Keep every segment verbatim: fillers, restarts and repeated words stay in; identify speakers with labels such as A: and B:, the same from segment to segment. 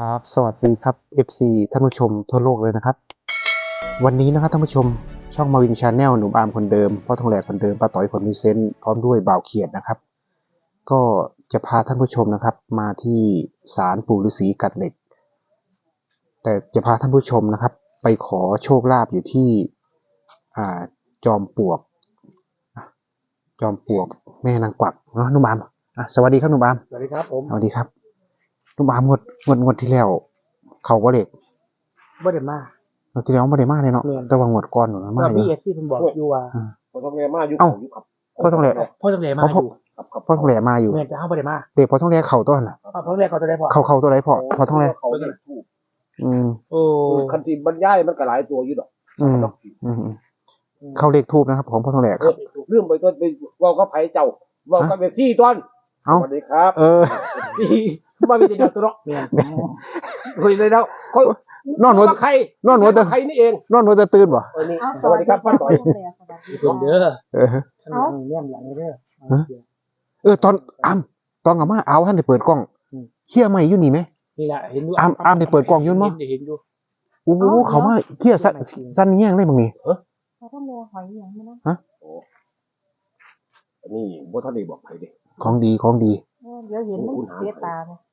A: ครับสวัสดีครับ เอฟ ซี ท่านผู้ชมทั่วโลกเลยนะครับวันนี้นะครับท่านผู้ชมช่องมาวินชาแนลหนุ่มอาร์มคนเดิมพ่อทองแหลกคนเดิมป้าต่อยคนมีเซนต์พร้อมด้วยบ่าวเขียดนะครับก็จะพาท่านผู้ชมนะครับมาที่ศาลปู่ฤาษีกัดเหล็กแต่จะพาท่านผู้ชมนะครับไปขอโชคลาภอยู่ที่อ่าจอมปลวกจอมปลวกแม่นางกวักเนาะนุ่มอาร์มอ่ะสวัสดีครับนุ่มอาร์ม
B: สวัสดีครับผม
A: สวัสดีครับนุ่มอาร์มงวดงวดงวดที่แล้วเขาก็เด็ก
B: บ่ได้มา
A: เราที่แล้วไม่ได้มากเลยเนาะ
B: แม่น
A: แต่ว่างวดก่อนหนูนะ
B: ก็
A: มากเล
B: พี่
A: ย
B: เอฟซีเพิ่นบอกอยู่ว่า
C: พอต้องเรียนมาอยู่
A: เอ้า
C: อยู่ครับ
A: พ่อต้องแหลก
B: พ่อต้องแหลมา
A: พ่อ
B: อยู่
C: ครับครับ
A: พ่อต้องแหลกมาอยู่
B: แม่นแต่เฮาบ่ได้มา
A: เด็กพ่อต้องแหลกเข่าต้นน่ะ
B: พ่อต้องแหลเขาจะได้พอ
A: เข่าเข่าตัวไหนพ่อพ่อต้องแหลก
C: เขาเรียกถูก
A: อืม
B: โอ้
C: คันที่บรรยายมันก็หลายตัวอยู่ดอก
A: อืมอืมอืมเข้าเลขทูบนะครับของพ่อต้องแหลก
C: เอ
A: ครั
C: อบ เรื่องไปต้นไปเว่าก็ไผเจ้าเว่าก็เป็นซี่ต้น
A: เอ้า
C: สวัสดีครับ
A: เออ
C: ซี่
B: บ่มีแต่เดียวตัวเนาะแม่น
C: คุยเลยแล้วเขา
A: นอนหัว
C: ใคร
A: นอนหัวแต่
C: ใครนี่เอง
A: นอนหัวแต่ตื่นบ่
C: เออนี่สวัสดีครับป้าต่อย
B: เพิ่นเด้อ
A: เออ
B: ท่านแนมหลังเด้อ
A: ฮะ เออตอนอ้ำตอนกลับมาเอาท่านได้เปิดกล้อง
B: อืม
A: เขี้ยใหม่อยู่นี่ไหม
B: นี่ล่ะเห็นอยู่
A: อามอามได้เปิดกล่องอยู่มั้ย
B: เห็นอยู่
A: โอ้โหเขามาเขี้ยสั้นสั้นแง่งได้บ้างนี่
D: เขาต้องแลหอยอย่างนี้นะ
C: อันนี้บ่ทันได้บอกไผเด้
A: ของดีของดี
D: เออเดี๋ยวเห็นมันเสียตาเนี่ย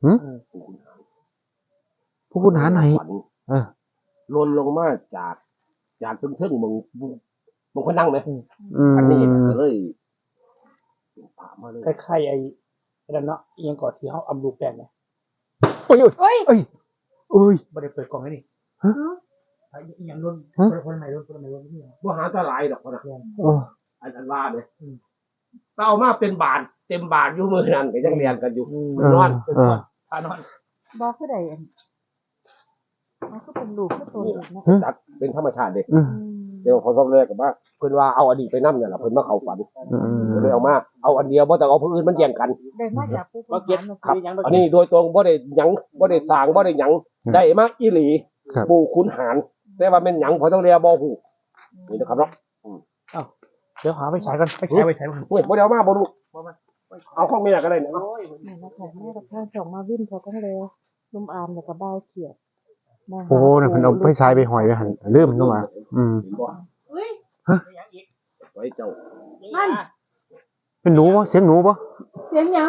A: ผู้คุณหาไหน
C: ฝัน
A: เออ
C: ลนลงมาจากจากเทิงๆมึงมึงคนนั่งไหม
A: อืม
C: อันนี้ก็เลยเป็นพระมาเลย
B: คล้ายๆไอ้นั่นเนาะอีหยังก่อนที่เฮาอำลูกแป้งเนี่ย
A: โอ้ยโอ้ย
D: เฮ้ย
A: เอ้ยเอ้ย
B: บ่ได้เปิดกล่องให้นี่
A: ฮะ
B: ไอ้อีหยังรุ่น
A: ฮะ
B: คนใหม่รุ่นคนใหม่รุ่นนี่เหรอ
C: บ่หาตาหลายดอกพะนะ
B: แม่น
A: โอ้
C: อันอันว่าเนี่ยถ้าเอามาเป็นบาทเต็มบาทอยู่มือนั่นก็ยังเรียนกันอยู่
B: อืม
A: เออ
C: นอน
A: เออ
B: พานอน
D: บอกคือใดอันมันก็เป็นลูกก็ตัวเด็กนะ
C: จัดเป็นธรรมชาติเด็ก
A: อืม
D: อืม
C: เดี๋ยวเขาต้องแรกกับว่าเพิ่นว่าเอาอดีตไปนั่เนี่ยแหละเพิ่นมาเข้าฝัน
A: อืม
C: ก็เลยเอามาเอาอันเดียวบ่ต้องเอาผู้อื่นมันแย่งกัน
D: ได้มาจากผู้
B: ว่า
D: คน
B: เก็ต
D: หาร
C: ครับ
B: มีหยังบ่
C: อันนี้โดยตรงบ่ได้หยังบ่ได้สร้างบ่ได้หยังได้มาอีหลี
A: ครับ
C: ปู่ขุนหารแต่ว่าแม่นหยังพอต้องเรียกบ่ฮู้นี่นะครับเนาะ
B: เดี๋ยวหาไปใช้ก่อนไปใช้ไปใช้ก่อน
C: เฮ้ยบ่ได้เอามาบ่รู้เอาของแม่ก็ได้นะ
D: นี่นะคะแม่กับข้างสองมาวิ่งเขาต้องแลนุ่มอามแล้วก็เบาเขียดมาหา
A: โอ้เนี่ยเพิ่นเอาไปใช้ไปหอยไปหันเริ่มนู่นมาอืม
C: เห็นบ่
D: เฮ้ย
C: ไว้เจ้า
D: นั่น
A: เป็นหนูปะเสียงหนูปะ
D: เสียงหยัง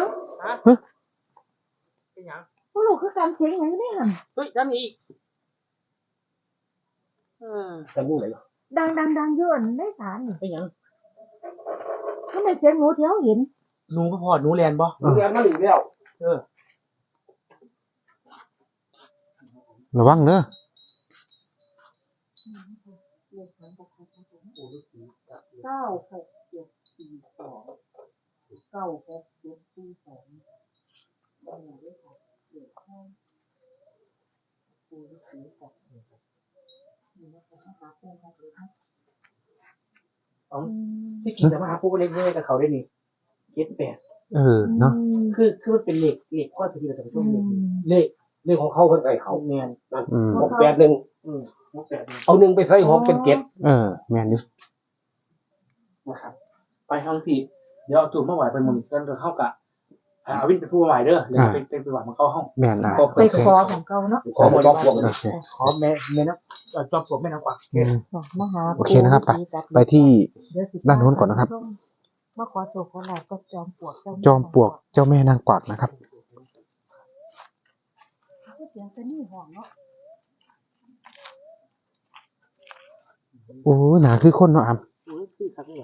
B: เป็นหยัง
D: ผู้ลูกคือการเสียงหยังนี่หัน
B: เฮ้ยด้านนี้อีกเออ
C: จังอยู่ไหน
D: ดังดังดังเยอะได้สารนี่
B: เป็นหยัง
D: ทำไมเสียงหนูเที่ยวเห็น
B: หนูบ่พอหนูแลนบ่
C: เรียนมาอีกแล้ว
B: เออ
A: ระวังเนอะ
D: เก้าหกเจ็ดสี่สองเก้าหกเจ็ดสี่สองนั่นแหละด้วยค่ะเกี่ยวข้องปูฤาษีกับนี่นะคะหาปูกันเลยนะ
B: เอาที่จริงแต่ว่าหาผู้เล็กเยอะกับเขาได้นี่เจ็ดแปด
A: เออเนาะ
B: คือคือมันเป็นเลขเลขข้อที่เราจะไปช่วงเลข
C: เลขเลขของเขาเพิ่นไอ้เขา
B: เขาแมน
C: นั่น
A: อืม
C: หกแปดหนึ่ง
B: อืมหกแปดนี่
C: เอาหนึ่งไปใส่หกเป็นเจ็ด
A: เออแม่นอยู่
B: นะครับไปทางที่เดี๋ยวเอาตัวมาไหวเป็นมุมกันเข้ากะอาวินเป็นผู้ไหวเด้อเดี๋ยวเป็นเป็นผู้ไหวมันเข้าห้อง
A: แม่นอ่ะ
D: ไปคอของเก่าเนาะ
C: ขอมาต้องพวก
A: โอเค
B: ขอแม่แม่น้ำจอมปลวกแม่น้ำกวัก
A: อืม
D: มหา
A: โอเคนะครับไปไปที่ด้านโน้นก่อนนะครับ
D: มาขอโศกขอลาบก็จอมปลวก
A: จอมปลวกเจ้าแม่นางกวักนะครับ
D: เสียงเป็นนี่ห่วงเนาะ
A: โอ้หนาคือคนเนาะอาม
B: อุ้ยคือครับนี่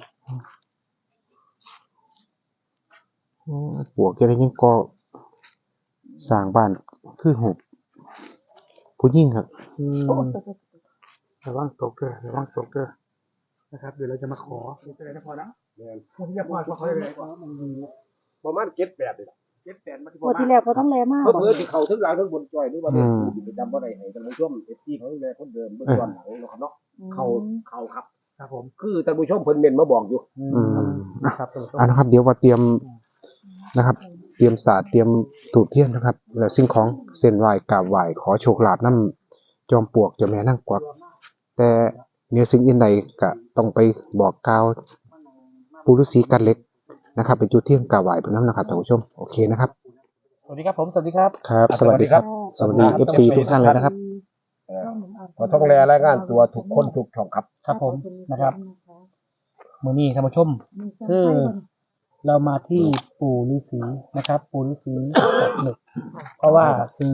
A: โอ้ปลวกจะได้ยังก็สร้างบ้านคือหกผู้ยิ่งครับ
B: อืมระวังตกเด้อระวังตกเด้อนะครับเดี๋ยวเราจะมาขอเป็นอะไรนะพอนะผมจะพอขอเลย
C: ประมาณเจ็ดแปดเลย
B: เจ็ดแปดมาที่
D: พอที่แล้วเขาต้องแลมาก
C: เพื่อเพื่อที่เขาทั้งหลังทั้งบนจอยหรือว่าเด็กที่ประจำบ่ได้ให้ท่านผู้ชมเอฟซีเขาดูแลคนเดิมเบื้องต้นหลังนะครับเนาะเขาเขาครับ
B: ครับผม
C: คือท่านผู้ชมเพิ่นเมนมาบอกอยู่
A: อืม
B: นะครับ
A: อ่านะครับ เดี๋ยวมาเตรียมนะครับ เตรียมศาสตร์เตรียมถูกเทียนนะครับ แล้วสิ่งของเส้นไหว้กราบไหว้ขอโชคลาภน้ำจอมปลวกเจ้าแม่นางกวักแต่เนื้อสิ่งอื่นใดก็ต้องไปบอกกล่าวปู่ฤาษีกันเหล็กนะครับไปจุดเทียนกราบไหว้เพิ่นนำนะครับท่านผู้ชมโอเคนะครับ
B: สวัสดีครับผมสวัสดีครับ
A: ครับ สวัสดีครับ
D: อ่า
A: สวัสดี เอฟ ซี ทุกท่านเลยนะครับ
C: เออขอต้องแลรายงานตัวทุกคนทุกช่องครับ
B: ครับผมนะครับมื้อนี้ท่านผู้ชม คือเรามาที่ปู่ฤาษีนะครับ ปู่ฤาษีกับหนึกเพราะว่าคือ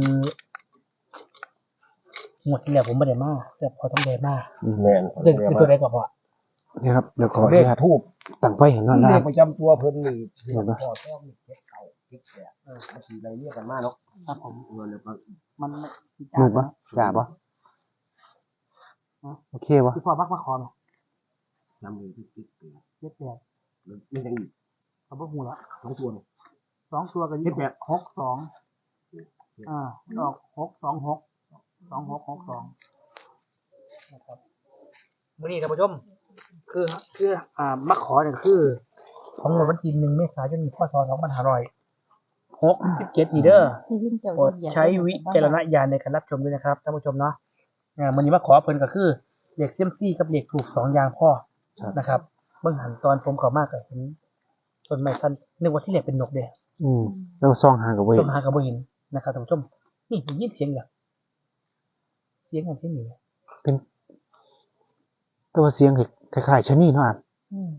B: หมดที่แล้วผมไม่ได้มาแต่พอต้องได้มา
C: แม่น
B: เรื่องคือตัวใดก็พอ
A: นี่ครับเดี๋ยวขออ
C: เล
A: นุ
C: ข
A: ญาต
C: ทูบ
A: ตั้งไฟเห็นหน่อย
C: เล
A: นะค
C: ข
A: รับ
C: ประจำตัวเพิ่นนี่พ่อต้องมีเจ็ดเก่าเจ็ดแปดเออมันสิไรเรียกกันมาเนาะ
B: ครับผม
C: เงินเลยครับ
B: มันไม่
A: มืดปะจ่าปะโอเควะ
B: ที่พ่อมักมาขอไหม
C: จำเลยที่เจ็ดแปด
B: เจ็ดแปด
C: ไม่ยังอีก
B: เขาบอกหูแล้ว
C: สองตัวเลย
B: สองตัวกัน
C: เจ็ดแปด
B: หกสองอ่าดอกหกสองหกสองหกหกสองนะครับมื่อนี้ท่านผู้ชม คือคืออ่ามาขอเนี่ยคือ ของวันที่หนึ่งเมษายนพศสองพันห้าร้อยหกสิบเจ็ดนี่เด้อโปรดใช้วิจารณญาณในการรับชมด้วยนะครับท่านผู้ชมเนาะอ่ามื่อนี้มาขอเพิ่นก็คือเหล็กเซียมซี่กับเหล็กถูกสองอย่างพ่อนะครับเบื้องหันตอนผมเข้ามากก็เห็นต้นไม้สั้นนึกว่าที่เหล็กเป็นนกเด้
A: อืมแล้วซองหากับเว้ย
B: ต้องหากับบ่เห็นนะครับท่านผู้ชมนี่ได้ยินเสียงอย่างเสียงอย่างเสียงนี้
A: เป็นตัวเสียงคล้ายๆชะนีเนาะอ่ะ
B: อืม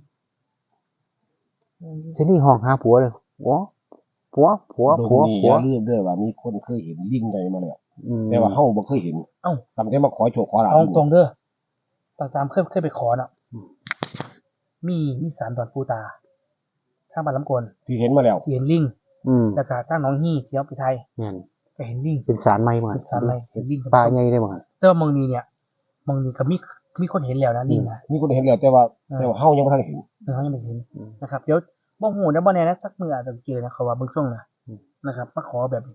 A: ชะนีห้องหาผัวเลยผัวผัวผัว
C: ตร
A: ผัว
C: งนี้อ
A: ผัว
C: ย่าลืมด้วยว่ามีคนเคยเห็นลิงใหญ่มาแล้ว
A: อืม
C: แต่ว่าเฮาบ่เคยเห็น
B: เอ้า
C: ตั้งแต่มาขอโชคขอลาภ
B: เอาตรงเด้อตามตามเคยเคยไปขอน่ะมีมีสารดอนปูตาทางบ้านลำกวน
C: ที่เห็นมาแล้ว
B: ที่เห็นลิง
A: อืม
B: แล้วก็ทางหน้องฮี่ที่เอาไปไทย
A: เนี่ย
B: ก็เห็นลิง
A: เป็นสารไม้เหมือน
B: เป็นสารอะไรเห็นลิง
A: ปลาใหญ่ได้เหมือน
B: แต่ว่ามองนี้เนี่ยมองนี้ก็มีมีคนเห็นแล้วนะลิงนะ
C: มีคนเห็นแล้วแต่ว่า
B: เออ
C: แต่ว่าเฮายังบ่ทันเห็น
B: เออเขายังไม่เห็นนะครับเดี๋ยวบ่ฮู้นะบ่แน่นะสักมื้ออาจจะเจอนะเขาว่าเบิ่งช่วงนะนะครับมาขอแบบนี้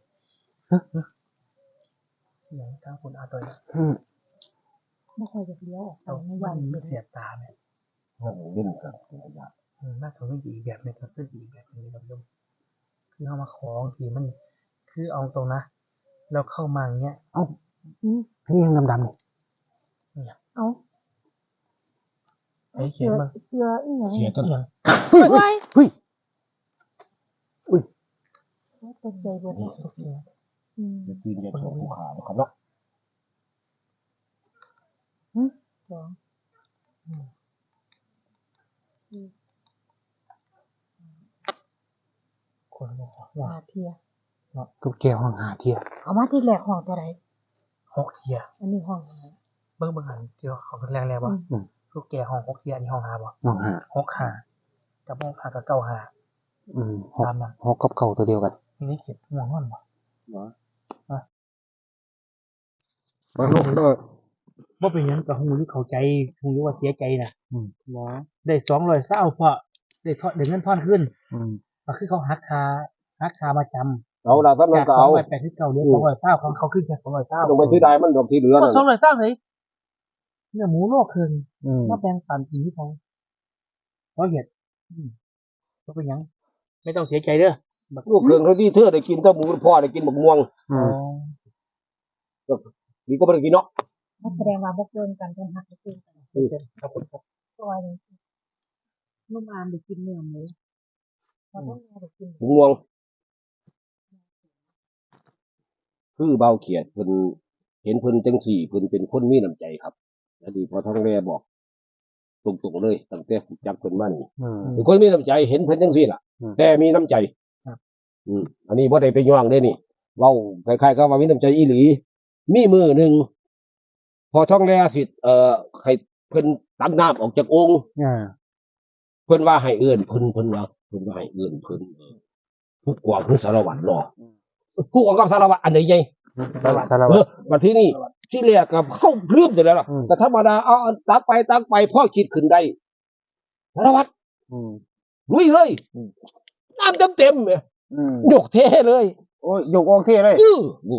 B: อย่างทางคุณอาตัวนี้
A: อืม
D: ไม่ค่อยจะเลี้ยวออกไป
B: เอา
D: ไม่
B: ไม่
D: ยัน
B: ไม่เสียตาไหม
C: เฮาเล่นกัน
B: อืมมากกว่าไม่ดีอีกแบบหนึงก็คืออีกแบบหนึงครับโยมคือเอามาของทีมัน คือเอาตรงนะเราเข้ามาอย่างเงี้ย
A: เอ้าอันนี้ยังดำๆนี่
D: เอา
B: ไอ้เขียนมา
D: เสืออีหยัง
C: เสียต้น
B: อย่าง
A: เฮ้ยเฮ้ยอุ้ย
D: ตกใจเบิดอืม
C: จะตีนจะโชคผู้ขานะครับเนาะ
D: สอง
B: คนบอกว่า
D: หาเทีย
A: ตุ๊กแก้วห้องหาเที่ย
D: เอามาที่แรกห้องตัวไหน
B: หกเทีย
D: อันนี้ห้องหา
B: เบิ่งเบิ่งหันเจียวเขาเป็นแรงแรงบ่
A: อืม
B: ลูกแก่ห้องหกเทียอันนี้ห้องหาบ่
A: ห้องหา
B: หกหากับห้องหากับเก้าหา
A: อืมหก
B: ตามนั้น
A: หกกับเก่าตัวเดียวกัน
B: นี่นี่เขียนห่วงห้อนบ่
A: มาลูกเออ
B: บ่เป็นหยังกับหูอยู่เข้าใจหูอยู่ว่าเสียใจน่ะ
A: อืม
B: เนาะได้สองร้อยเศร้าเพราะได้ทอดได้เงินทอนขึ้น
A: อืม
B: ก็คือเขาหักค่าหักค่ามาจำ
C: เอาล่ะท่านนั้น
B: จาก
C: ก็
B: สอง
C: เอา
B: ร้อยแปดสิบเก้าเหลือสองร้อยเศร้าของเขาขึ้นแค่สองร้อยเศร้า
C: ต้องไปที่ใดมันดอกที่เหลือ
B: ก็
C: นั่น
B: สองร้อยเศร้าเลยเนื้อหมูโลกคืน
A: อืม
B: มาแบ่งปันกินที่เขาเพราะเหตุก็เป็นหยัง ไม่ต้องเสียใจเด้อบัก
C: ลูกเครื่องเท่าที่เธอได้กินแต่หมูพ่อได้กินบักม่วง
A: อื
B: อ๋อ
A: ม
C: นี่ก็บ่ได้กินเนาะ
D: แสดงว่าบ่เกินกันเป็นหักเกินกัน
B: ครับผมครับ
D: ตัวนึงนุ่มอามได้กินเนื้อหมูเราต้องได้กิน
C: บักม่วง คือเบาเขียดเพิ่นเห็นเพิ่นจังสี่เพิ่นเป็นคนมีน้ำใจครับอันนี้พอท้องแม่บอกตรงๆเลยตั้งแต่จับเพิ่นมานี่
A: อืม
C: เป็นคนมีน้ำใจเห็นเพิ่นจังสี่ล่ะ
A: อืม
C: แต่มีน้ำใจ
B: ครับ
C: อืมอันนี้บ่ได้ไปย่องเด้นี่เว้าคล้ายๆกับว่ามีน้ำใจอีหลี มีมือหนึ่งพอท้องแลสิเอ่อให้เพิ่นตักน้ำออกจากองค์
A: อ่า
C: เพิ่นว่าให้เอื้อนเพิ่นเพิ่นว่าเพิ่นว่าให้เอื้อนเพิ่นเออผู้กวางคือสารวัตรเนาะผู้กวางกับสารวัตรอันไหนใหญ่
A: สารวัตรสาร
C: เอ
A: วั
C: อ
A: ตร
C: มาที่นี่ที่แรกกับเข้าลืมอยู่แล้วล่ะ
A: อืม
C: แต่ธรรมดาเอาเอาตักไปตักไปพ่อคิดขึ้นได้สารวัตร
A: อืม
C: ลุยเลย
A: อืม
C: น้ำเต็มเต็มๆเนี่ย
A: อืม
C: ยกเทเลย
A: โอ้ยยกออกเท่เลย
C: อือนี่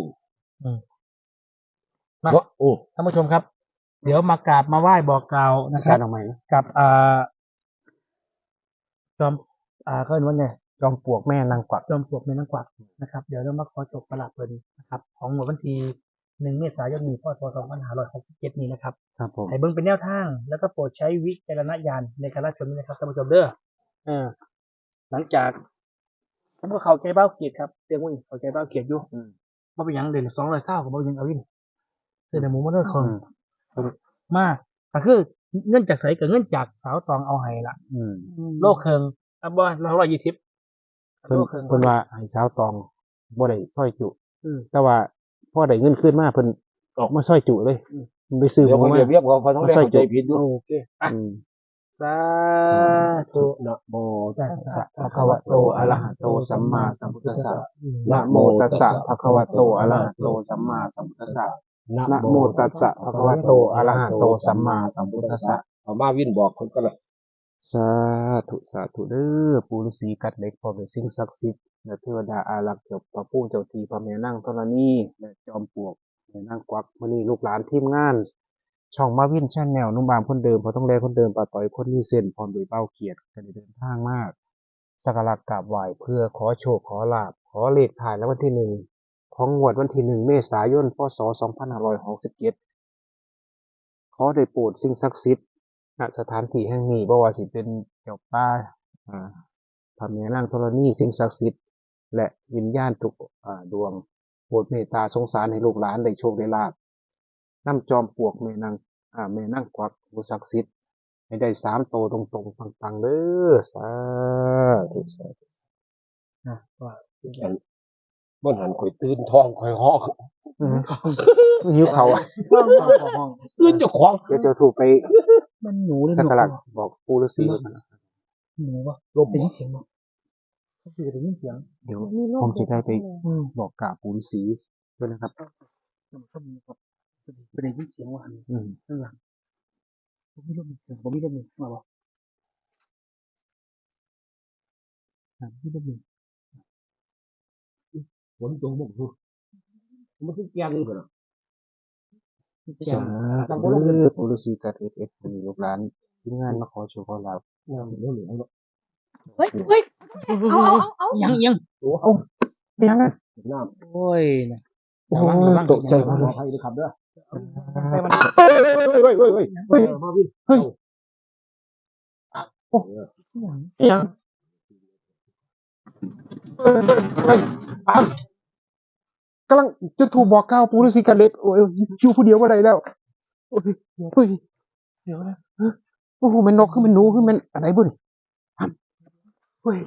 B: มา
C: ว่าโอ้
B: ท่านผู้ชมครับ เดี๋ยวมากราบมาไหว้บอกกล่าวนะค
A: กา
B: รั
A: ร
B: บ
A: ออกใหม่นะ
B: กับอ่าจอมอ่าเขาเรียกว่าไง
A: จอมปลวกแม่นางกวัก
B: จอมปลวกในนังกวักนะครับ เดี๋ยวเรามาขอจบประหลาดเพิ่นนะครับ ของหมวดวันที่หนึ่งเมษายนนี้พศสองพันห้าร้อยหกสิบเจ็ดนี้นะครับ
A: ครับผม
B: ให้เบิ่งเป็นแนวทาง แล้วก็โปรดใช้วิจารณญาณในการรับชมด้วยนะครับท่านผู้ชมเด้อเออหลังจากผมก็เข้าใจเบ้าเกียรติครับเตียงวิ่งเข้าใจเบ้าเกียรติอยู่
A: อืม
B: บ่เป็นหยังเดือนสองร้อยเศร้าก็บ่เป็นหยังเอาวินซื้อในหมูมาด้วยค
A: อื
B: น
A: ม
B: มากก็คือเงินจากไสกับเงินจากสาวตองเอาให้ล่ะ
A: อืม
B: โลกเคิงอ่ะบ่ร้อยยี่สิบ
A: เพิ่น
B: โลกเคิง
A: เพิ่นว่าให้สาวตองบ่ได้ซอยจุ
B: อืม
A: แต่ว่าพอได้เงินคืนมาเพิ่นออกมาซอยจุเลยมันไปซื้อห
C: เดี๋ยว
A: มู
C: เขา
A: มา
C: เรียบเรียบเขาเขาต้องเรียกเข้าใจผิดด้วย
B: โอเคอ่ะ
A: อืม
B: สาธุ
C: นะโม
B: ตัสสะ
A: ภะคะวะโตอะระหะโตสัมมาสัมพุทธัสสะ
B: อืม
A: นะโมตัสสะภะคะวะโตอะระหะโตสัมมาสัมพุทธัสสะนะโมตัสสะภะคะวะโตอะระหะโตสัมมาสัมพุทธัสสะ
C: เอามาวินบอกคนก็เลย
A: สาธุสาธุเด้อปู่ฤาษีกัดเหล็กพร้อมด้วยสิ่งศักดิ์สิทธิ์และเทวดาอารักษ์เจ้าพระผู้เจ้าที่พระแม่นางธรณีและจอมปลวกแม่นางกวักมื้อนี้ลูกหลานทีมงาน ช่องมาวินชาแนลนุ่มบามคนเดิมพอต้องแลคนเดิมป้าต่อยคนมีเส้นพร้อมด้วยเบ้าเกียรติกันได้เดินทางมากสักการะกราบไหว้เพื่อขอโชคขอลาภขอเลขถ่ายแล้ววันที่หนึ่งของงวดวันที่หนึ่งเมษายนพศสองพันห้าร้อยหกสิบเจ็ดขอได้โปรดสิ่งศักดิ์สิทธิ์ณสถานที่แห่งนี้บ่ว่าสิเป็นเจ้าป่าอ่าพระแม่นางธรณีสิ่งศักดิ์สิทธิ์และวิญญาณทุกอ่าดวงโปรดเมตตาสงสารให้ลูกหลานได้โชคได้ลาภนำจอมปลวกแม่นางอ่าแม่นางกวักผู้ศักดิ์สิทธิ์ให้ได้สามโตวตรงๆปังๆเด้อสาธุสาธุ
B: นะว่า
C: บ่หันข่อยตื่นท้องข่อยห้อง
A: อืมหิวเขาอ่ะ
B: ห้องห้องห้องห้อง
C: ตื่นเจ้าของ
A: เดี๋ยวจะถูกไป
B: มันหนูหรือ
A: สัก
B: นก
A: การะ
B: วะ
A: บอกปู่ฤาษีไว้ก่อนนะ
B: หนูวะลมเป็นเสียงมั้งก็คือได้ยินเสียง
A: เดี๋ยวผมจะได้ไป
B: อืม
A: บอกกล่าวปู่ฤาษีด้วยนะครับ
B: มันก็มีครับเป็นได้ยินเสียงว่าอัน
A: อืม
B: ข้างหลังผมไม่รู้มีเสียงผมไม่รู้มีมาบ่อ่าไม่รู้มี
C: ฝนตกบ่คือมันคือแกงนี่เพิ่นน่ะ
A: สาธุเด้อปู่ฤาษีกัดเอฟเอฟมีลูกหลานทีมงานมาขอโชว์ขอลาบ
C: งามเหลืองๆเนาะ
D: เฮ้ยเฮ้ยเอาเอาเอาเอา
B: ยังยัง
C: โอ้เอ้า
A: เป็นยังไง
C: น้ำ
B: โอ้ยนะ
A: โอ้ยตกใจหมด
C: ข
A: เล
C: อย ให้ด้วยครับเด้อ
B: ไปมัน
A: เฮ้ยเฮ้ยเฮ้ยเฮ้ยเฮ้ยเฮ้ย
C: เออมาวิน
A: เฮ้ย
B: ยัง
A: ยังเฮ้ยเฮ้ยเฮ้ยอ้าวกำลังจะถูกบอกกล่าวปู่ฤาษีกัดเล็กโอ้ยอยู่ผู้เดียวบ่ได้แล้วโอ้ยเฮ้ย
B: เดี๋ยวนะ
A: โอ้โหมันนกคือมันหนูคือมันอะไรบุ่นเฮ้ย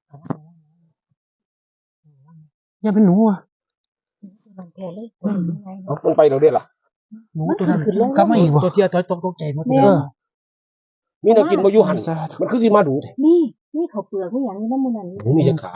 A: อย่าเป็นหนูอ่ะ
D: มันแทนเลยเป็นยังไง
C: เอามันไปเราได้ล่ะ
B: หนูตัวนั้น
A: กลับมาอีกบ่
B: ตัวเทียตัวตกตกใจหมดเล
A: เอย อ
C: มีแนวกินบ่อยู่หั่น
A: สาธุ
C: มันคือสิมาดูแท้
D: นี่นี่เขาเปลือกนี่อย่างนี้น้ำมันนั่น
C: หนูมีจักขา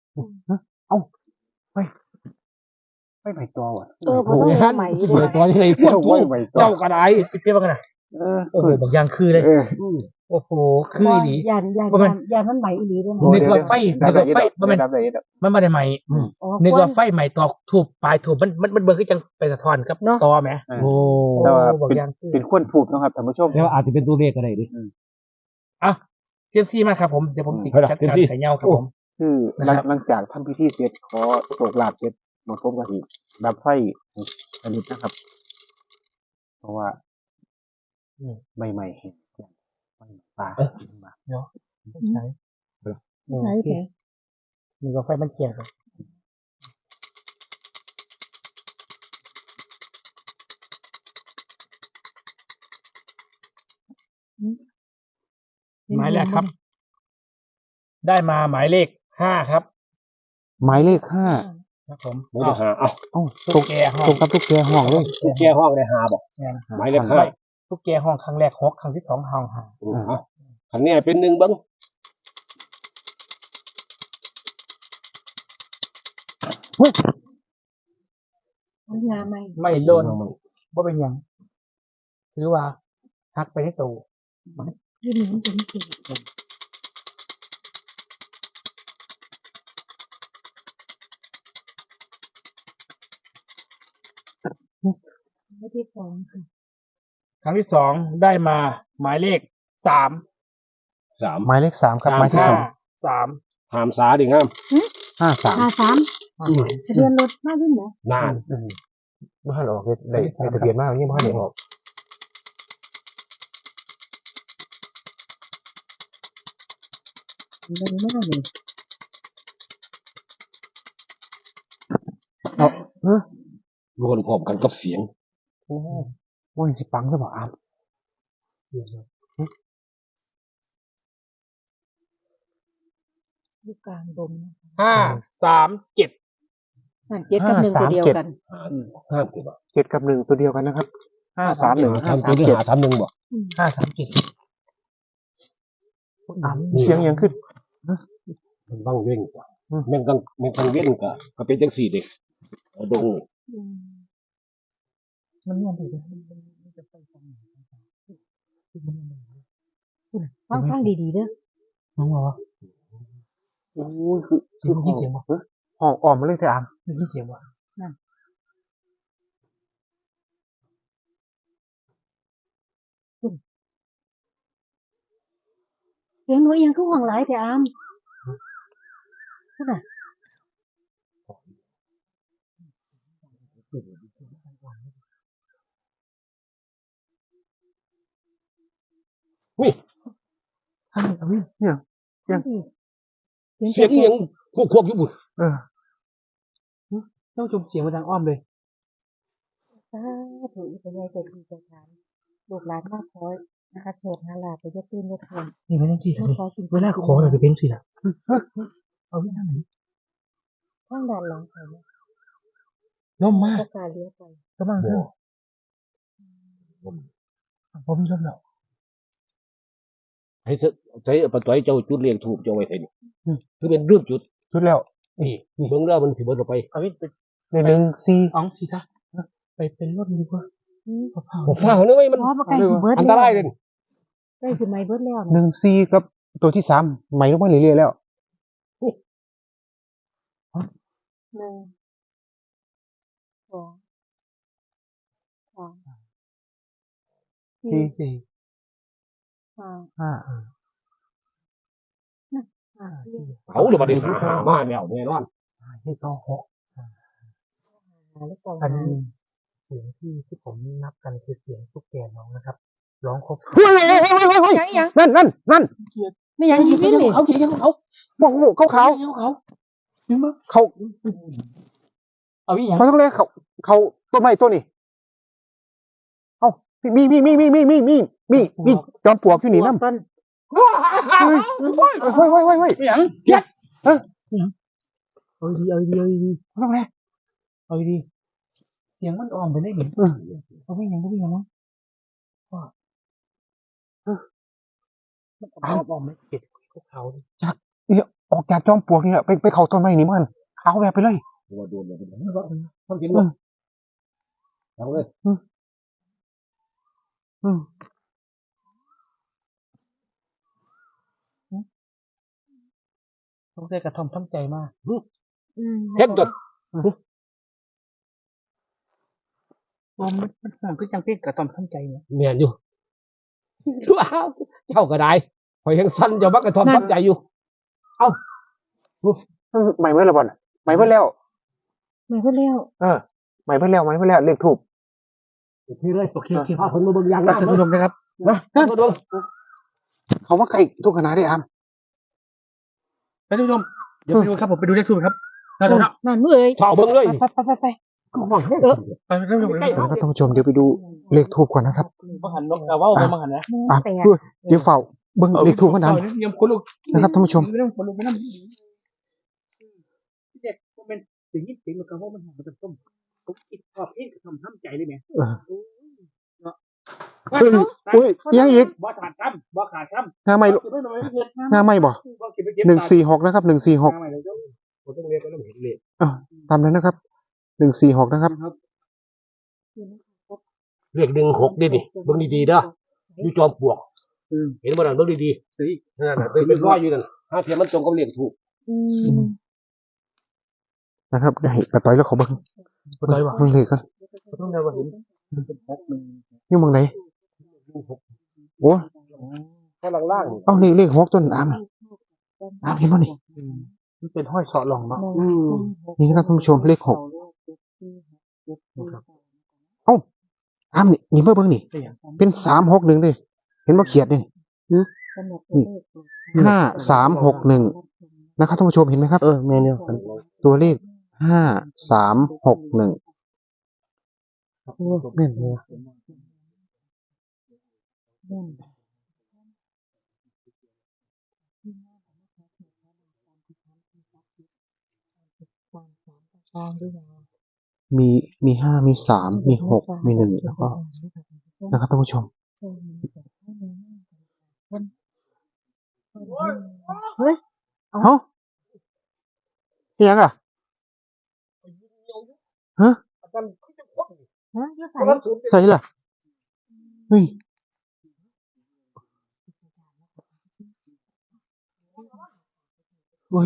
A: ไม่ใบตอว่ะ
D: เออผมต้องเอาใหม่ดิ
C: เปิดตอนนี้เลยพวก
A: โอ้ยใบตอ
C: เจ้าก็ได้
B: ไปเจ๊บ้างกันนะ
A: เออ
B: โอ้โหบางอย่างคือเลย
A: เออ
B: โอ้โหคือดี
D: ยันยัน
B: ว่ามัน
D: ยันมันใหม่อีหลีด้วย
B: นึ
D: นะ
B: กว่าไฟนึกว่าไฟมันเป็น
A: ดับได้ดับ
B: มันไม่ได้ใหม่
D: อ๋อ
B: นึกว่าไฟใหม่ตอกถูกปลายถูกมันมันมันเบิร์คือจังไปสะท้อนกับ
D: เนาะ
B: ตอไหม
C: โอ้
A: แต่ว่า
B: บาง
A: เป็น
B: อย่างคือ
A: เป็นคนผูกนะครับท่านผู้ชม
C: แล้วอาจจะเป็นตัวเลขก็ได้ดิ
B: อ่ะเจมซี่มาครับผมเดี๋ยวผมติด
C: เฮ้ยล่ะ
B: จัด
C: เจม
B: การ
C: ซี่
B: ไข่เงาครับผม
A: คือหลัง
B: นะครับ
A: หลังจากทำพิธีเสร็จขอโศกลาบเสร็จหมดผมก็สิดับไฟอันนี้นะครับ เพราะว่า
B: อืม
A: ใบใหม่เห็นใบป่า
B: ใช่โอ
D: ใช่
B: เค
D: แค่
B: นึกว่าไฟมันเกี่ยวกัน หมายแรกครับ ได้มาหมายเลขห้าครับ
A: หมายเลขห้า
B: ครับผม
C: ไม่ได้หาเอ้า
A: เอ้าต
B: ตุ๊
A: ก
B: กแกห้อง
A: ตกกับทุกแกห้องเลย
C: แก้ห้องได้หาบ่หมายเลขห้า
B: ตุ๊กแกห้องครั้งแรกหกครั้งที่สองห้องห้า
C: อืมเอ้าคันนี้เป็นหนึ่งเบิ่ง
D: มันยาใหม่
B: ไม่โดนว่าเป็นหยังถือว่าฮักไปให้ตู
D: ยืนมันจะไม่เก่งไม่ที่สองค่ะ
B: ครั้งที่สองได้มาหมายเลขสาม
C: สาม
A: หมายเลขสามครับหมายที่
B: ห้า
A: สอง
B: สาม
C: ถามสาดิงาม
A: ห้าสาม
D: ห้าสามทะเบียนรถมากขึ้นไหม
C: นาน
A: บ้านออกเลยได้ได้ทะเบียนมากนี่บ้านเดี๋ยวออก
D: เร็วมากเลย
A: เอาเออ
C: รวนพร้อมกันกับเสียง
A: โอ้ว่าสิปังซะบ่อาม
D: อยู่กลางดง
B: ห้าสามเจ็ด
D: นั่นเจ็ดกับหนึ่งตัวเดียวกัน
C: ห้าสิบ
A: เจ็ดกับหนึ่งตัวเดียวกันนะครับห้าสามหนึ่งห้า
C: ทำ
A: สา
C: ตัว
A: ม
C: ที่
A: เจ็ด
C: หาทำหนึ่งบ่
B: ห้าสามเจ็ด
A: อามเสียงยังขึ้น
C: มันบ้างเว้งกว่า
A: อืม
C: แม่งกังแม่งกังเว้นกะก็เป็นจังสี่เด็กดง
B: มันม่วนดีเลย
D: ฟังฟังดีๆเด้อ
B: น้องบอกว่า
A: โอ้ยคือคือ
B: ได้ยินเสียงบ่
A: เฮ้ยห้องออกมาเลยเถอะอาม
B: ได้ยินเสียงบ่
D: เสียงหนูเอียงคือห่วงหลายแต่อามนั่นน่ะ
C: นี่
B: ท่านเอาวิ
A: เนี่ย
D: ฟังดี
C: เสียงอีหยังควบควบอยู่บุญ
A: เออ
B: ท่านผู้ชมเสียงมาทางอ้อมเลย
D: สาธุอีกเป็นไงเกิดดีใจทานลูกหลานมากคอยนะคะโชคนาลาไปยกตื้นยกทน
B: นี่ไม่ต้องที่
D: ขอ
B: เลย
D: ขอสิ่ง
B: เวลาขอเราจะเป็นสิล่ะเอาวิทางไหน
D: ข้างด้านหลังไปเนี่ย
B: ล่มมาก
D: ก็การเลี้ยวไป
B: กำลังขึ้นพอมีลมแล้ว
C: ให้เสใช้ปะต้อยเจ้าจุดเรียงถูกเจ้าไว้ใส่นี่คือเป็นเรื่องจุด
A: ชุดแล้ว
C: นี่เบิ่งแล้วมันสิเบิดออกไป
B: เอาวิไป
A: ในหนึ่งสี่
B: อ๋องสิท่าไปเป็นรถดีกว่าขอเฝ้า
C: ผมฟ้าเนื้อไว้มัน
D: เพราะว่าใกล้สิเบิร์ด
C: อันตรายเลย
D: ใกล้สิไม่เบิร์ดแล้ว
A: หนึ่งสี่กับตัวที่สามใหม่ลงมาเรื่อยๆแล้ว
D: หนึ่งสองสาม
B: สี่สี่
D: ห้า
B: ห้า
D: ห้า
B: ห้า
D: สี่
C: เอาหรือมาได้หาหามาแล้วแน่นอน
A: ให้ต่อหก
D: หาหรือเปล่า
B: อันนี้เสียงที่ที่ผมนับกันคือเสียงตุ๊กแกน้องนะครับร้องครบ
A: เฮ้ยเฮ้ยเฮ้ยเฮ้ยเฮ้ย
D: ยังยัง
A: นั่นนั่นนั่น
D: ไม่ยังอีกไม่เลย
B: เขาเขียนเขา
A: โอ้โหเขาเขา
B: เขาเขาถึงมั้ง
A: เขา
B: เอาวิอย่าง
A: เขาต้องเรียกเขาเขาต้นไม้ต้นนี่เอ้ามีมีมีมีมีมีมีมีมีจอมปลวกอยู่นี่น้ำ
D: ต้น
A: เฮ้ยเฮ้ยเฮ้ยเฮ้ยเฮ้ยเฮ้ย
B: อย่างเจ็ดเออเอาดีเอาดีเอาดี
A: เขาต้องเรียก
B: เอาดีเสียงมันอ่อมไปได้หนิเอาวิ่งยังก็วิ่งยังมั้งเอาอ่อมไม่เก็บพวกเขา
A: เนี่ยออกจากจอมปลวกนี่แหละไปไปเขาต้นไม้นี่มันเขาแบบไปเลย
C: ว่าโดนเลยทำกินบ่เอาเลย
A: อืม
B: ต้องได้กระทำทำใจมาก
C: เฮ็ดจน
B: โอ้มันมันห่วงก็จังเพ่งกระทำทำใจเนี่ย
C: แม่นอยู่ว้าวเจ้าก็ได้ข่อยยังสั่นเจ้าบักกระทอมทับใจอยู่
A: ใหม่เมื่อไรบ่อนใหม่เมื่อแล้ว
D: ไม่เบิร์ดแล้ว
A: เออใหม่เมื่อแล้วใหม่เมื่อแล้วเลขถูก
C: นี่เลย
B: โอเคโอเค
C: พาคนมาเบิ่งยาง
B: ท่านผู้ชมนะครับ
C: นะมาดู
A: เขาว่าไก่ทุกขนาดได้อาม
B: ท่านผู้ชมเดี๋ยวไปดูครับผมไปดูเลขทูบครับนั่นครับ
D: นั่นเมื่อย
C: ชาวเบิ่งเลย
D: ไปไปไปไป
C: เออ
B: ไปท่านผู้ชม
A: แล้วก็ต้องชมเดี๋ยวไปดูเลขทูบก่อนนะครับ
B: บังหันนกแต่ว่าบังหันนะ
A: อ่ะ
D: แต่
A: ช่วยเดี๋ยวเฝ้าเบิ้งเลขทูบกันนะ
B: ยังคนลูก
A: นะครับท่านผู้ชม
B: ไม่ต้องคนลูกไม่ต้องเด็กเป็นสิ่งที่สิ่งมันก็ว่ามันหอมมันจะต้มผมคิดชอบเองกระทำทำใจได้ไหม
A: เออเฮ้ยเฮ้ยยังอีก
B: บ่ขาดคำบ่ขาดคำ
A: งาไม่
B: บ่ไม่ไม่เกิด
A: งาไม่บ่
B: บ่เก็บไปเก็บ
A: หนึ่งสี่หกนะครับหนึ่งสี่หก
B: งาไม่เลยเจ้า
C: ผมต้องเรียกก็ต้องเห็นเลย
A: ตามนั้นนะครับหนึ่งสี่หกนะครับ
C: เรียกหนึ่งหกดินี่เบิ่งดีๆเด้ออยู่จอมปลวก
B: อืม
C: เห็นบ่นั่นเบิ่งดี
B: สิ
C: ๆนั่นน่ะเป็นรอยอยู่นั่นห้าเทียมมันตรงกับเลขถูก
D: อืม
A: นะครับได้กระต่อยแล้วเขาเบิ้ง
B: บ่ได้ว่ะ
A: เบิ้งเลขกัน
B: ต้องได้ว่าเห็นเป็นหกหนึ่ง
A: นี่มึงไหนโอ้
C: ข้างล่าง
A: เอาเลขเลขหกต้นอามอามเห็นป่ะนี่
B: มันเป็นห้อยเสาะหลองเนาะ
A: นี่นะครับท่านผู้ชมเลขหกอามนี่นี่เบิ่งเบิ่งนี่
B: เสียง
A: เป็นสามหกหนึ่งเลยเห็นว่าเขียดนี่ห้าสามหกหนึ่งนะครับท่านผู้ชมเห็นไหมครับ
B: เออเมนู
A: ตัวเลขห้าสามหกหนึ่ง
B: โอ้แม่นเลย
D: แม่น ตามด้วยนะ
A: มีมีห้ามีสามมีหกมีหนึ่งแล้วก็นะครับท่านผู้ชม
D: เฮ้ย
A: เอ้าอิหยังอ่ะฮะ
D: ฮะอยู่ใส่
A: ใส่ล่ะเฮ้ยเฮ้ย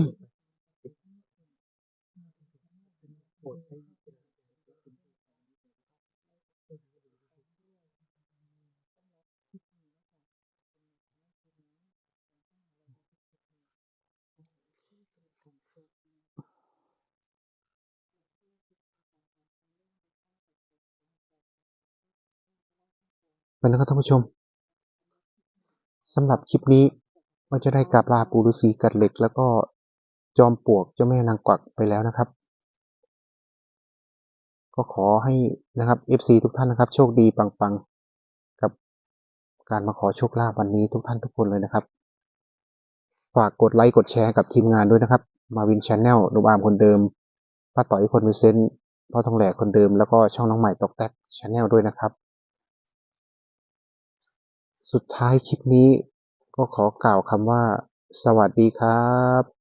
A: ไปนะครับท่านผู้ชมสำหรับคลิปนี้ก็จะได้กราบลาปู่ฤาษีกัดเหล็ก แล้วก็จอมปลวกเจ้าแม่นางกวักไปแล้วนะครับ ก็ขอให้นะครับ เอฟ ซี ทุกท่านนะครับ โชคดีปังๆกับการมาขอโชคลาภวันนี้ทุกท่านทุกคนเลยนะครับ ฝากกดไลค์กดแชร์กับทีมงานด้วยนะครับ มาวินชาแนลหนุ่มอาร์มคนเดิมป้าต่อยคนมีเซนต์พ่อทองแหลกคนเดิมแล้วก็ช่องน้องใหม่ตอกแตกชาแนลด้วยนะครับ สุดท้ายคลิปนี้ก็ขอกล่าวคำว่า สวัสดีครับ